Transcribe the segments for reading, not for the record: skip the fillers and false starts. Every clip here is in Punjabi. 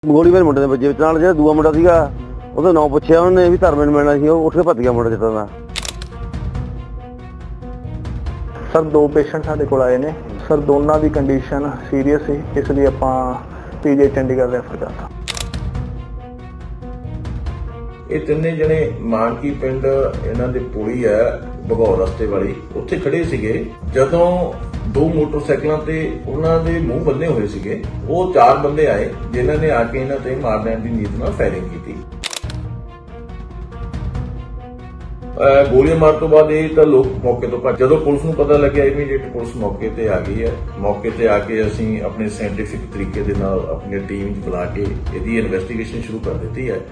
ਗੋਲੀ ਮੇਰੇ ਮੁੰਡੇ ਦੇ ਵੱਜੇ ਵਿੱਚ ਨਾਲ ਜਿਹੜਾ ਦੂਆ ਮੁੰਡਾ ਸੀਗਾ ਉਹਦਾ ਨਾਂ ਪੁੱਛਿਆ ਉਹਨੇ ਵੀ ਧਰਮੇ ਨੂੰ ਮਿਲਣਾ ਸੀ, ਉਹ ਉੱਠ ਕੇ ਭੱਜ ਗਿਆ ਮੁੰਡਾ ਜਿੱਦਾਂ ਦਾ। ਸਰ ਦੋ ਪੇਸ਼ੈਂਟ ਸਾਡੇ ਕੋਲ ਆਏ ਨੇ ਸਰ, ਦੋਨਾਂ ਦੀ ਕੰਡੀਸ਼ਨ ਸੀਰੀਅਸ ਸੀ, ਇਸ ਲਈ ਆਪਾਂ ਪੀਜੀ ਚੰਡੀਗੜ੍ਹ ਰੈਫਰ ਕਰਤਾ। ਇਹ ਤਿੰਨੇ ਜਣੇ ਮਾਨਕੀ ਪਿੰਡ ਇਹਨਾਂ ਦੇ ਪੁਲੀ ਹੈ ਭਗੌਰ ਰਸਤੇ ਵਾਲੀ, ਉੱਥੇ ਖੜੇ ਸੀਗੇ ਜਦੋਂ ਦੋ ਮੋਟਰਸਾਈਕਲਾਂ ਤੇ ਉਹਨਾਂ ਦੇ ਮੂੰਹ ਬੰਨੇ ਹੋਏ ਸੀਗੇ। ਉਹ ਚਾਰ ਬੰਦੇ ਆਏ ਜਿਨ੍ਹਾਂ ਨੇ ਆ ਕੇ ਇਹਨਾਂ ਤੇ ਮਾਰਨ ਦੀ ਨੀਤ ਨਾਲ ਫਾਇਰਿੰਗ ਕੀਤੀ। ਗੋਲੀਆਂ ਮਾਰਨ ਤੋਂ ਬਾਅਦ ਇਹ ਤਾਂ ਲੋਕ ਮੌਕੇ ਤੋਂ ਭੱਜ। ਜਦੋਂ ਪੁਲਿਸ ਨੂੰ ਪਤਾ ਲੱਗਿਆ ਇਮੀਡੀਏਟ ਪੁਲਿਸ ਮੌਕੇ ਤੇ ਆ ਗਈ ਹੈ। ਮੌਕੇ ਤੇ ਆ ਕੇ ਅਸੀਂ ਆਪਣੇ ਸਾਇੰਟੀਫਿਕ ਤਰੀਕੇ ਦੇ ਨਾਲ ਆਪਣੀ ਟੀਮ ਬੁਲਾ ਕੇ ਇਹਦੀ ਇਨਵੈਸਟੀਗੇਸ਼ਨ ਸ਼ੁਰੂ ਕਰ ਦਿੱਤੀ ਹੈ।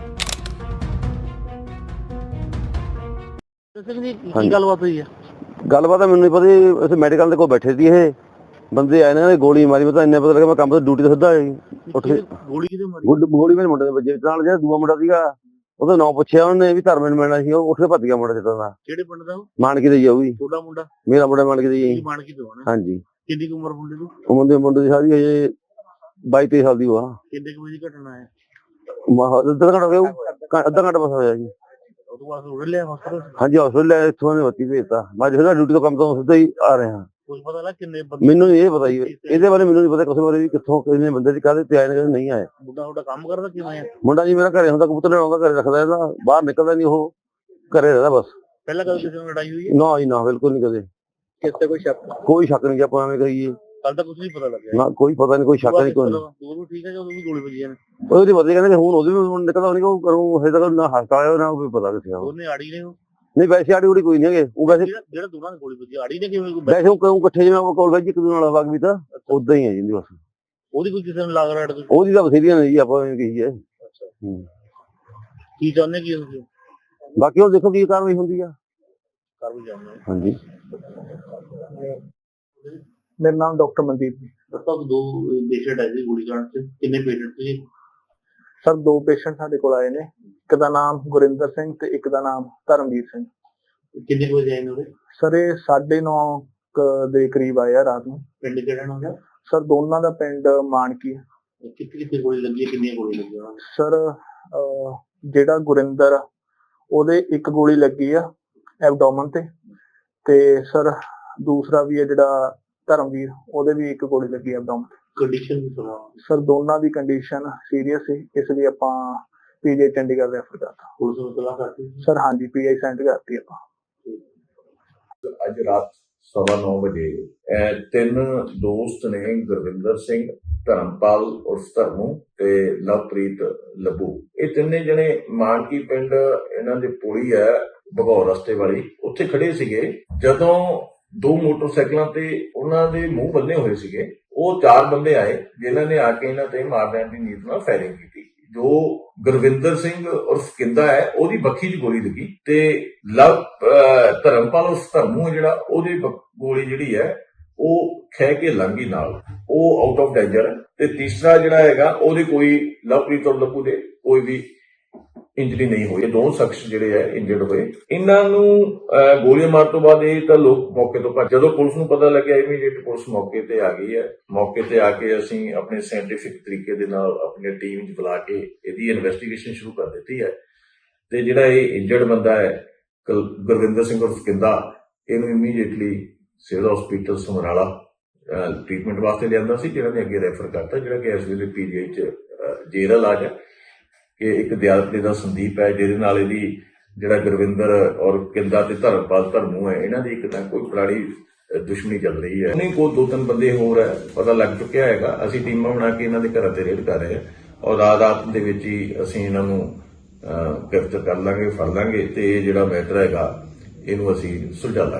ਕੀ ਗੱਲਬਾਤ ਹੋਈ ਹੈ? ਗੱਲਬਾਤ ਮੈਨੂੰ ਨਹੀਂ ਪਤਾ, ਅਸੀਂ ਮੈਡੀਕਲ ਦੇ ਕੋਲ ਬੈਠੇ ਸੀ, ਇਹ ਬੰਦੇ ਆਏ ਨੇ ਗੋਲੀ ਮਾਰੀ। ਮੈਂ ਤਾਂ ਇੰਨਾ ਪਤਾ ਲੱਗਾ ਮੈਂ ਕੰਮ ਤੋਂ ਡਿਊਟੀ ਤੇ ਸਿੱਧਾ ਉੱਠ ਕੇ ਗੋਲੀ ਕਿਹਦੇ ਮਾਰੀ? ਗੋਲੀ ਮੇਰੇ ਮੁੰਡੇ ਦੇ ਵੱਜੇ ਵਿੱਚ ਨਾਲ ਜਿਹੜਾ ਦੂਆ ਮੁੰਡਾ ਸੀਗਾ ਉਹਦਾ ਨਾਂ ਪੁੱਛਿਆ ਉਹਨੇ ਵੀ ਧਰਮੇ ਨੂੰ ਮਿਲਣਾ ਸੀ, ਉਹ ਉੱਠ ਕੇ ਭੱਜ ਗਿਆ ਮੁੰਡਾ ਜਿੱਦਾਂ ਦਾ। ਕਿਹੜੇ ਪਿੰਡ ਦਾ? ਮਾਨਕੀ ਦਾ ਹੀ ਆ ਉਹ ਵੀ। ਤੁਹਾਡਾ ਮੁੰਡਾ? ਮੇਰਾ ਮੁੰਡਾ ਮਾਨਕੀ ਦਾ ਹੀ। ਮਾਨਕੀ ਤੋਂ ਆਣਾ? ਹਾਂਜੀ। ਕਿੰਨੀ ਕੁ ਉਮਰ ਮੁੰਡੇ ਦੀ? ਮੁੰਡੇ ਦੀ ਸਾਰੀ ਹਜੇ 22-23 ਸਾਲ ਦੀ ਹੋਆ। ਕਿੰਨੇ ਕੁ ਵਜੇ ਦੀ ਘਟਨਾ ਹੈ? ਅੱਧਾ ਘੰਟਾ ਹੋ ਗਿਆ, ਅੱਧਾ ਘੰਟਾ ਬਸ ਹੋਇਆ ਜੀ। ਉਹ ਤੋਂ ਬਾਅਦ ਉੜ ਲਿਆ ਹਸਪਤਾਲ? ਹਾਂਜੀ ਹਸਪਤਾਲ ਇੱਥੋਂ ਨੇ ਬੱਤੀ ਭੇਜਤਾ। ਮੈਂ ਜਿਹੜਾ ਡਿਊਟੀ ਤੋਂ ਕੰਮ ਤੋਂ ਸਿੱਧਾ ਹੀ ਆ ਰਿਹਾ। ਕੁਝ ਪਤਾ ਲੱਗਾ ਕਿੰਨੇ ਬੰਦੇ? ਮੈਨੂੰ ਨਹੀਂ ਇਹ ਪਤਾ ਜੀ, ਇਹਦੇ ਬਾਰੇ ਮੈਨੂੰ ਨਹੀਂ ਪਤਾ ਕਿਸੇ ਬਾਰੇ ਵੀ ਕਿੱਥੋਂ ਕਿੰਨੇ ਬੰਦੇ ਦੀ ਕਾਹਦੇ ਤੇ ਆਏ ਨੇ ਕਿਹਦੇ ਨਹੀਂ ਆਏ। ਮੁੰਡਾ ਤੁਹਾਡਾ ਕੰਮ ਕਰਦਾ ਕਿਵੇਂ ਹੈ? ਮੁੰਡਾ ਜੀ ਮੇਰਾ ਘਰੇ ਹੁੰਦਾ, ਕਬੂਤਰ ਲੈਣ ਆਉਂਦਾ, ਘਰੇ ਰੱਖਦਾ ਇਹਦਾ, ਬਾਹਰ ਨਿਕਲਦਾ ਨਹੀਂ, ਉਹ ਘਰੇ ਰਹਿੰਦਾ ਬਸ। ਪਹਿਲਾਂ ਕਦੇ ਕਿਸੇ ਨਾਲ ਲੜਾਈ ਹੋਈ ਹੈ? ਨਾ ਜੀ ਨਾ, ਬਿਲਕੁਲ ਨਹੀਂ ਕਦੇ। ਕਿਸੇ ਕੋਈ ਸ਼ੱਕ? ਕੋਈ ਸ਼ੱਕ ਨਹੀਂ, ਆਪਾਂ ਐਵੇਂ ਕਹੀਏ। ਕੱਲ ਤਾਂ ਕੁਝ ਨਹੀਂ ਪਤਾ ਲੱਗਿਆ ਨਾ ਕੋਈ ਪਤਾ ਨਹੀਂ, ਕੋਈ ਸ਼ੱਕ ਨਹੀਂ, ਕੋਈ ਨਹੀਂ। ਉਹ ਵੀ ਠੀਕ ਹੈ ਜਦੋਂ ਵੀ ਗੋਲੀ ਵੱਜੀ ਨੇ? ਉਹਦੇ ਪਤਾ ਕਹਿੰਦੇ ਹੁਣ ਉਹਦੇ ਵੀ ਨਿਕਲਦਾ ਹੋਣੀ, ਉਹ ਕਰੂੰ ਹਜੇ ਤੱਕ ਨਾ ਹਸਪਤਾਲ ਆਇਆ ਨਾ ਕੋਈ ਪਤਾ ਕਿੱਥੇ ਆ। ਉਹਨੇ ਆੜੀ ਨੇ? ਨਹੀਂ ਵੈਸੇ ਆੜੀ ਉੜੀ ਕੋਈ ਨਹੀਂ ਹੈਗੇ, ਉਹ ਵੈਸੇ ਜਿਹੜਾ ਦੋਨਾਂ ਦੀ ਗੋਲੀ ਵੱਜੀ ਆੜੀ ਨੇ ਕਿਵੇਂ? ਵੈਸੇ ਉਹ ਕਿਉਂ ਇਕੱਠੇ ਜਿਵੇਂ ਆਪਾਂ ਕੋਲ ਵੈਜ ਇੱਕ ਦੂਜੇ ਨਾਲ ਵਗ ਵੀ ਤਾਂ ਉਦਾਂ ਹੀ ਹੈ ਜਿੰਦੀ ਬਸ। ਉਹਦੀ ਕੋਈ ਕਿਸੇ ਨੂੰ ਲੱਗ ਰਿਹਾ? ਉਹਦੀ ਤਾਂ ਬਥੇਰੀਆਂ ਨੇ ਜੀ, ਆਪਾਂ ਐਵੇਂ ਕਹੀਏ। ਕੀ ਚਾਹੁੰਦੇ ਕੀ ਤੁਸੀਂ? ਬਾਕੀ ਉਹ ਦੇਖੋ ਕੀ ਕਾਰਵਾਈ ਹੁੰਦੀ ਆ। ਕਰ ਵੀ ਜਾਂਦੇ। ਹਾਂਜੀ। ਮੇਰਾ ਨਾਮ ਡਾਕਟਰ ਮਨਦੀਪ ਜੀ। ਡਾਕਟਰ ਦੋ ਪੇਸ਼ੈਂਟ ਆਏ ਸੀ ਗੋਲੀ ਕਾਂਡ ਚ, ਕਿੰਨੇ ਪੇਸ਼ੈਂਟ ਸੀ? ਸਰ ਦੋ ਪੇਸ਼ੈਂਟ ਸਾਡੇ ਕੋਲ ਆਏ ਨੇ, ਇੱਕ ਦਾ ਨਾਮ ਗੁਰਿੰਦਰ ਸਿੰਘ ਤੇ ਇੱਕ ਦਾ ਨਾਮ ਧਰਮਵੀਰ ਸਿੰਘ। ਕਿੰਨੇ ਕੁ ਵਜੇ ਆਏ ਨੇ ਉਹਦੇ? ਸਰ ਇਹ 9:30 ਦੇ ਕਰੀਬ ਆਏ ਆ ਰਾਤ ਨੂੰ। ਪਿੰਡ ਕਿਹੜਾ ਨਾ ਉਹਦਾ? ਸਰ ਦੋਨਾਂ ਦਾ ਪਿੰਡ ਮਾਨਕੀ ਹੈ। ਕਿੱਥੇ ਗੋਲੀ ਲੱਗੀ ਹੈ, ਕਿੰਨੀਆਂ ਗੋਲੀ ਲੱਗੀਆਂ ਉਹਨਾਂ ਨੂੰ? ਸਰ ਜਿਹੜਾ ਗੁਰਿੰਦਰ ਆ ਉਹਦੇ ਇੱਕ ਗੋਲੀ ਲੱਗੀ ਆ ਐਬਡੋਮਨ ਤੇ ਸਰ ਦੂਸਰਾ ਵੀ ਹੈ ਜਿਹੜਾ ਧਰਮਵੀਰ, ਉਹਦੇ ਵੀ ਇੱਕ ਗੋਲੀ ਲੱਗੀ ਐਬਡੋਮਨ। ਕੰਡੀਸ਼ਨ ਵੀ ਸੁਣਾ? ਸਰ ਦੋਨਾਂ ਦੀ ਕੰਡੀਸ਼ਨ ਸੀਰੀਅਸ ਸੀ, ਇਸ ਲਈ ਆਪਾਂ ਪੀਜੀ ਚੰਡੀਗੜ੍ਹ ਰੈਫਰ ਕਰਤਾ। ਪੁਲਿਸ ਨੂੰ ਤਲਾਸ਼ ਕਰਤੀ? ਸਰ ਹਾਂਜੀ ਪੀਆਈ ਸੈਂਡ ਕਰਤੀ ਆਪਾਂ। ਅੱਜ ਰਾਤ 9:15 ਵਜੇ ਇਹ ਤਿੰਨ ਦੋਸਤ ਨੇ, ਗੁਰਵਿੰਦਰ ਸਿੰਘ, ਧਰਮਪਾਲ ਉਰਫ ਧਰਮੂ ਤੇ ਲਵਪ੍ਰੀਤ ਲੱਭੂ, ਇਹ ਤਿੰਨੇ ਜਣੇ ਮਾਨਕੀ ਪਿੰਡ ਇਹਨਾਂ ਦੇ ਪੁਲੀ ਹੈ ਭਗੌਰ ਰਸਤੇ ਵਾਲੀ, ਉੱਥੇ ਖੜੇ ਸੀਗੇ ਜਦੋਂ ਦੋ ਮੋਟਰਸਾਈਕਲਾਂ ਤੇ ਉਹਨਾਂ ਦੇ ਮੂੰਹ ਬੰਨੇ ਹੋਏ ਸੀਗੇ। ਉਹ ਚਾਰ ਬੰਦੇ ਆਏ ਜਿਨ੍ਹਾਂ ਨੇ ਆ ਕੇ ਇਹਨਾਂ ਤੇ ਮਾਰਨ ਦੀ ਨੀਤ ਨਾਲ ਫਾਇਰਿੰਗ ਕੀਤੀ। ਜੋ ਗੁਰਵਿੰਦਰ ਸਿੰਘ ਉਰਫ ਕਿੰਦਾ ਹੈ ਉਹਦੀ ਬੱਖੀ 'ਚ ਗੋਲੀ ਲੱਗੀ ਤੇ ਧਰਮਪਾਲ ਉਰਫ ਧਰਮੂ ਜਿਹੜਾ ਉਹਦੀ ਗੋਲੀ ਜਿਹੜੀ ਹੈ ਉਹ ਖਹਿ ਕੇ ਲੰਘੀ ਨਾਲ, ਉਹ ਆਊਟ ਆਫ ਡੇਂਜਰ ਹੈ। ਤੇ ਤੀਸਰਾ ਜਿਹੜਾ ਹੈਗਾ ਉਹਦੇ ਕੋਈ ਲਵਪ੍ਰੀਤ ਔਰ ਲੱਭੂ ਦੇ ਕੋਈ ਵੀ ਇੰਜਰੀ ਨਹੀਂ ਹੋਈ। ਇਹ ਦੋ ਸ਼ਖਸ ਜਿਹੜੇ ਹੈ ਇੰਜਰਡ ਹੋਏ। ਇਹਨਾਂ ਨੂੰ ਗੋਲੀਆਂ ਮਾਰਨ ਤੋਂ ਬਾਅਦ ਇਹ ਤਾਂ ਲੋਕ ਮੌਕੇ ਤੋਂ ਭੱਜ। ਜਦੋਂ ਪੁਲਿਸ ਨੂੰ ਪਤਾ ਲੱਗਿਆ ਇਮੀਡੀਏਟ ਪੁਲਿਸ ਮੌਕੇ ਤੇ ਆ ਗਈ ਹੈ। ਮੌਕੇ ਤੇ ਆ ਕੇ ਅਸੀਂ ਆਪਣੇ ਸਾਇੰਟੀਫਿਕ ਤਰੀਕੇ ਦੇ ਨਾਲ ਆਪਣੀ ਟੀਮ ਬੁਲਾ ਕੇ ਇਹਦੀ ਇਨਵੈਸਟੀਗੇਸ਼ਨ ਸ਼ੁਰੂ ਕਰ ਦਿੱਤੀ ਹੈ। ਤੇ ਜਿਹੜਾ ਇਹ ਇੰਜਰਡ ਬੰਦਾ ਹੈ ਗੁਰਵਿੰਦਰ ਸਿੰਘ ਉਰਫ ਕਿੰਦਾ, ਇਹਨੂੰ immediately civil hospital Samrala treatment ਵਾਸਤੇ ਲਿਆਂਦਾ ਸੀ, ਜਿਹੜਾ ਨੇ ਅੱਗੇ ਰੈਫਰ ਕਰਤਾ, ਜਿਹੜਾ ਕਿ ਇਸ ਵੇਲੇ ਪੀਜੀਆਈ 'ਚ ਜੇਰਲ ਇਲਾਜ ਹੈ। ਕਿ ਇੱਕ ਦਿਆਲਪੇ ਦਾ ਸੰਦੀਪ ਹੈ ਜਿਹਦੇ ਨਾਲ ਇਹਦੀ ਜਿਹੜਾ ਗੁਰਵਿੰਦਰ ਔਰ ਕਿੰਦਾ ਤੇ ਧਰਮਪਾਲ ਧਰਮੂ ਹੈ, ਇਹਨਾਂ ਦੀ ਇੱਕ ਤਾਂ ਕੋਈ ਪੁਰਾਣੀ ਦੁਸ਼ਮਣੀ ਚੱਲ ਰਹੀ ਹੈ। ਨਹੀਂ ਕੋਈ ਦੋ ਤਿੰਨ ਬੰਦੇ ਹੋਰ ਹੈ ਪਤਾ ਲੱਗ ਚੁੱਕਿਆ ਹੈਗਾ। ਅਸੀਂ ਟੀਮਾਂ ਬਣਾ ਕੇ ਇਹਨਾਂ ਦੇ ਘਰਾਂ ਤੇ ਰੇਡ ਕਰ ਰਹੇ ਹਾਂ ਔਰ ਰਾਤ ਦੇ ਵਿੱਚ ਹੀ ਅਸੀਂ ਇਹਨਾਂ ਨੂੰ ਗ੍ਰਿਫਤਾਰ ਕਰ ਲਾਂਗੇ, ਫੜ ਲਾਂਗੇ ਤੇ ਇਹ ਜਿਹੜਾ ਮੈਟਰ ਹੈਗਾ ਇਹਨੂੰ ਅਸੀਂ ਸੁਲਝਾ ਲਾਂਗੇ।